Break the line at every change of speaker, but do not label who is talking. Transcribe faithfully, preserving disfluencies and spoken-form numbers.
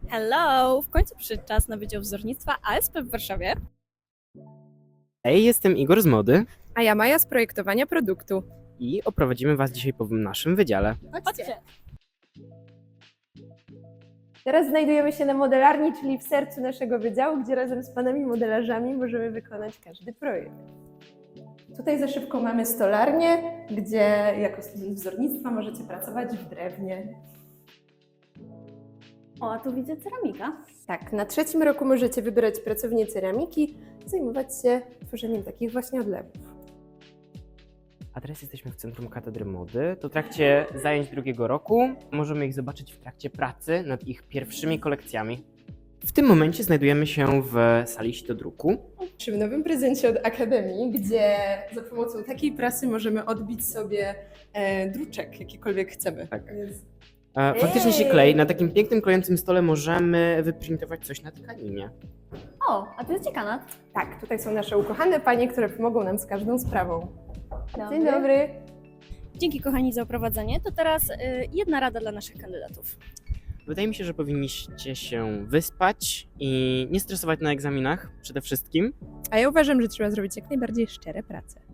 Hello! W końcu przyszedł czas na Wydział Wzornictwa A S P w Warszawie.
Hej, jestem Igor z Mody
A ja Maja z projektowania produktu.
i oprowadzimy Was dzisiaj po naszym wydziale.
Chodźcie!
Teraz znajdujemy się na modelarni, czyli w sercu naszego wydziału, gdzie razem z panami modelarzami możemy wykonać każdy projekt. Tutaj za szybką mamy stolarnię, gdzie jako student wzornictwa możecie pracować w drewnie.
O, a tu widzę ceramika.
Tak, na trzecim roku możecie wybrać pracownię ceramiki i zajmować się tworzeniem takich właśnie odlewów.
A teraz jesteśmy w Centrum Katedry Mody. To w trakcie zajęć drugiego roku możemy ich zobaczyć w trakcie pracy nad ich pierwszymi kolekcjami. W tym momencie znajdujemy się w sali sitodruku.
Przy nowym prezencie od Akademii, gdzie za pomocą takiej prasy możemy odbić sobie e, druczek, jakikolwiek chcemy.
Tak.
Więc
E, Faktycznie się
Ej!
klei. Na takim pięknym, klejącym stole możemy wyprintować coś na tkaninie.
O, a to jest dziekanat.
tak, tutaj są nasze ukochane panie, które pomogą nam z każdą sprawą.
Dobry.
Dzień dobry.
Dzięki kochani za oprowadzenie. To teraz y, jedna rada dla naszych kandydatów.
Wydaje mi się, że powinniście się wyspać i nie stresować na egzaminach przede wszystkim.
A ja uważam, że trzeba zrobić jak najbardziej szczere prace.